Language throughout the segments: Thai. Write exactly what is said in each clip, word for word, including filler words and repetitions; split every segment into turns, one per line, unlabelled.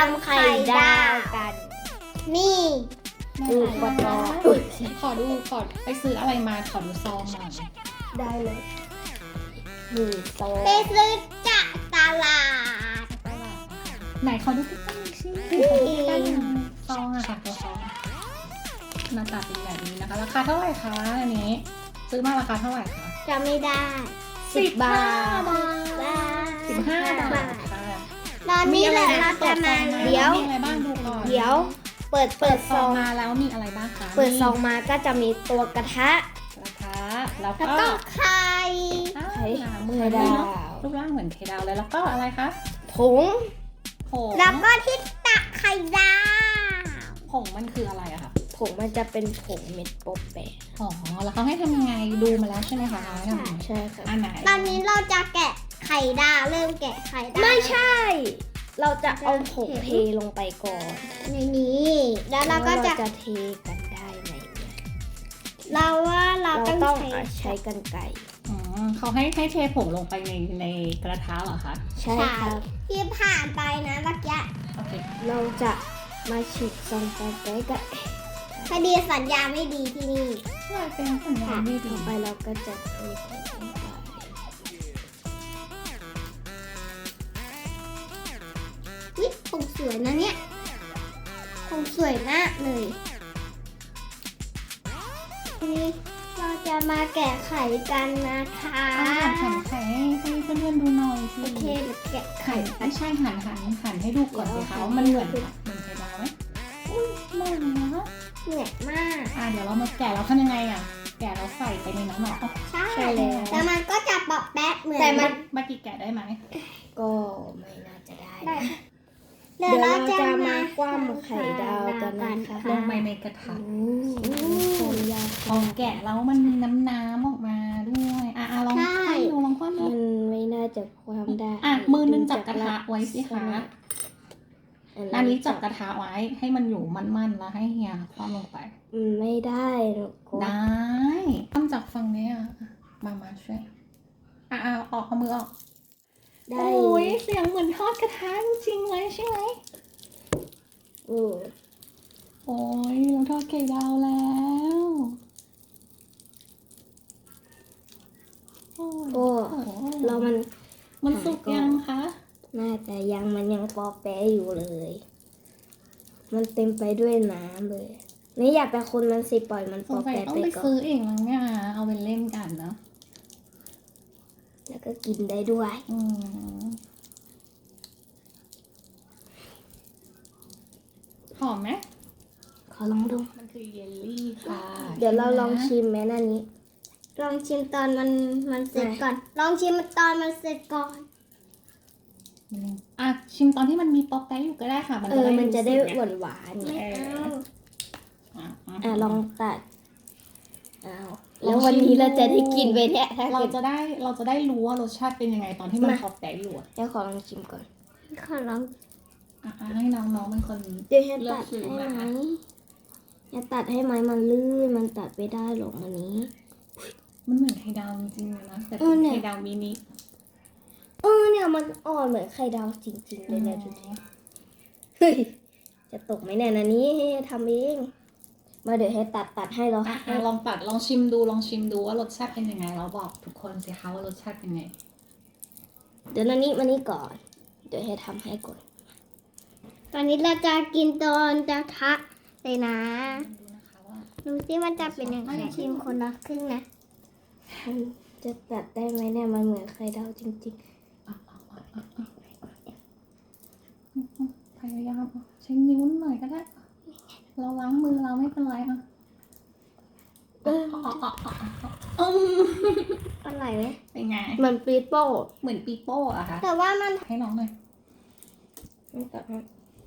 ำไข่ดาวกัน นี่
ดูกดรอขอดูขอไปซื้ออะไรมาขอดูซองหน่อย
ได้เลยนี่โซ่
ไปซื้อจากตลาด
ไหนขอดูใกล้ๆสิขอดูใกล้ๆหน่อยซองอะค่ะตัวซองหน้าตาเป็นแบบนี้นะคะราคาเท่าไหร่คะอันนี้ ซื้อมาราคาเท่าไหร่คะ
จะไม่ได้
สิบบาท
สิบห้าบาทค่ะ
ตอนนี้แหละเราจะมา
เดี๋ยว
มีอะไรบ้างดูก่อน
เดี๋ยว เปิดเปิดซ
ซอ
อง ง
มาแล้วมีอะไรบ้างคะ
เปิดซองมาก็จะมีตัวกระทะ
กระทะแล้ว
แล้ว
ก็
ก็ไข่
อ้าว
ไข่
หนามือ
ไข่
เล
ดา
ยว เนาะรูปร่างเหมือนไข่ดาวเลยแล้วก็อะไรคะ
ผง
ผง
แล้วก็ที่ตักไข่ดาว
ผงมันคืออะไรอะคะ
ผงมันจะเป็นผงเม็ดโป๊ะแปะ
อ๋อแล้วเขาให้ทำยังไงดูมาแล้วใช่ไหมคะทำยังไง
ใช่ค่ะ
อันไหน
ตอนนี้เราจะแกะไข่ดาวเริ่มแกะไข่ดาว
ไม่ใช่ เราจะเอาผงเทลงไปก่อน
ในนี้แล้วเราก็จะ
จะเทกันได้ไหมเนี่ย
เราว่าเรา
เรา
ต้อง
ต้อง
ใช้
ใช้กันไก่
อ๋อเขาให้ให้เทผงลงไปในในกระทะเหรอคะ
ใช่ครับ
ที่ผ่านไปนะเมื่อกี้
โอเค
เราจะมาฉีกซองโป๊ะแปะกัน
พอดีสัญญาณไม่ดีที่นี่
ใช่เป็นสัญญาณดีดี
ต่อไปเราก็จะเทผงลงไป
วิผงสวยนะเนี่ยผงสวยมากเลยทีนี้เราจะมาแกะไข่กันนะคะ
อ่าหันไข่ให้ให้เพื่อนๆดูหน่อยสิ
โอเคเดี๋ยวแกะ
ไข่ไม่ใช่หันหันหันให้ดูก่อนสิคะว่ามันเหมือนเหมือนไข่ดาวไหมอุ้ยเหมือนนะ
เหนื่อยมาก
อ่าเดี๋ยวเรามาแกะเราทำยังไงอ่ะแกะเราใส่ไปในน้ำหรอ
ใช่
ใช่แล้ว
แล้วมันก็จะปอกแป๊ะเหมือน
แต่มัน
เมื่อกี้แกะได้ไหม
ก็ไม่น่าจะได้
ได้
นะ
ค่ะ
เดี๋ยวเราจะมากว้ามไข่ดาวกันนะคะ
ลงไปในกระทะ
อืมความยาก
พอแกะแล้วมันมีน้ำน้ำออกมาด้วยอ่ะอ่ะลองคว่ำดูลองคว่ำดู
มันไม่น่าจะความได้
อ่ะมือนึงจับกระทะไว้สิคะ อันนี้จับกระทะไว้ให้มันอยู่มั่นๆแล้วให้เฮียคว่ำลงไป
อืมไม่ได้หรอกก็
ได้คว่ำจากฝั่งนี้อ่ะมามาช่วยอ่ะอ่ะออกเอามือออก
ได้
โอ้ยเสียงเหมือนทอดกระทะจริงๆเลยใช่ไหม
โอ้
โอ้ยเราทอดไข่ดาวแล้วโอ้ย
โอ้เรามัน
มันสุกยังคะ
น่าจะยังมันยังปอแปะอยู่เลย มันเต็มไปด้วยน้ำเลย นี่อยากไปคนมันสิปล่อยมัน
ส
ปอง
สัย
แปะ
ต้อง
ไป
ไป
ก่อ
ซื้อน เองแล้วเนี่ยเอาไปเล่นกันเนาะ
แล้วก็กินได้ด้วย
อืมหอมไหม
ขอลองดู
มันคือเยลลี่ค่ะ
เดี๋ยวเราลองชิมแม่นั่นนี้
ลองชิมตอนมันมันเสร็จ
ไหน
ก่อน ลองชิมตอนมันเสร็จก่อน
อืมอ่ะชิมตอนที่มันมีป๊อปแป๊ะอยู่ก็ได้ค่ะ มัน
เอ
จะ
อ
ได้
มันจะได้
รู้สึก
หวานหวานๆ
ไม่
เนี่ย
เอา
อ่ะ
อ่ะลองตัดอ้าว
ล
แล้
อง
ววัน
ชิม
นี้เรา
ดู
จะได้กินไปเนี่ยถ้า
เรา
เกิด
จะได้เราจะได้รู้ว่ารสชาติเป็นยังไงตอนที่มัน
มา
ป๊อปแป๊ะอยู่อ่ะ
แล้วขอลองชิมก่อน
ขอลอง
อ่ะอ่ะให้น้องๆเป็นคน
เดี๋ยวให้
เลือก
ตัด
ชิม
ให้
นะ
ไหมอย่าตัดให้ไหมมันลื่นมันตัดไม่ได้หรอกวันนี้
มันเหมือนไข่ดาวจริงๆเลยนะแต่
เอ
เป็
อน เนี่ย
ไข่ดาวมินิ
เออเนี่ยมันอ่อนเหมือนไข่ดาวจริงๆเลยเนี่ยดูดิเฮ้ยจะตกไหมเนี่ยนะนี้ให้ทำเองมาเดี๋ยวให้ตัดตัดให้เรา
อ่ะอ่ะลองตัดลองชิมดูลองชิมดูว่ารสชาติเป็นยังไงแล้วบอกทุกคนสิคะว่ารสชาติเป็นไง
เดี๋ยวนันนี้มานี่ก่อน เดี๋ยวให้ทำให้ก่อน
ตอนนี้เราจะกินตอนจะทะเลยนะ
ดูนะคะว่า
ดูสิมันจะเป็นยังไงชิมคนละครึ่งนะ
มันจะตัดได้ไหมเนี่ยมันเหมือนไข่ดาวจริง
อ่ะอ่ะอ่ะอ่ะอ่ะพยายามใช้นิ้วหน่อยก็ได้ เราล้างมือเราไม่เป็นไรอ่ะ
ๆเออ
อ๋ออ๋ออ๋ออ๋ออืม
อร่อยไหม
เป็นไง
เหมือนปีโป้
เหมือนปีโป้อะค่ะ
แต่ว่ามัน
ให้น้องหน่อย
ไม่ตัดให้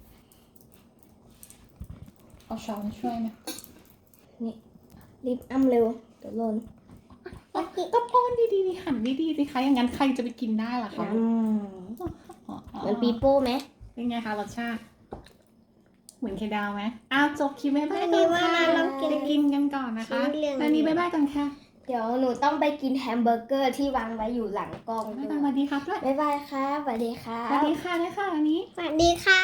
เอาช้อนช่วยไหม
รีบอ้ำเร็วเดี๋ยวหล่น
อ๋อก็ป้อนดีๆดิหั่นดีๆสิคะอย่างนั้นใครจะไปกินได้ล่ะคะ
อืม
อ๋ออ๋อ
เหมือนปีโป้ไหม
เป็นไงคะรสชาติ เหมือนไข่ดาวไหมอ้าวจบคลิปบ๊ายบาย
อัน
ก่
นี้
อน
ว่า
ค่ะ
มาลองกิน
ไปกินกันก่อนนะคะ
ชิ้นเหลือง
ตอนนี้บ๊ายบายก่อนค่ะ
เดี๋ยวหนูต้องไปกินแฮมเบอร์เกอร์ที่วางไว้อยู่หลังกล้อง
บ๊าย
ด้
บายส
ว
วั
ย
สดีครับด้วย
บ๊ายบายครับสวัสดีครั
สวัส
บ
ดีค่ะด้วยค่ะอันนี้
สวัสดีค่ะ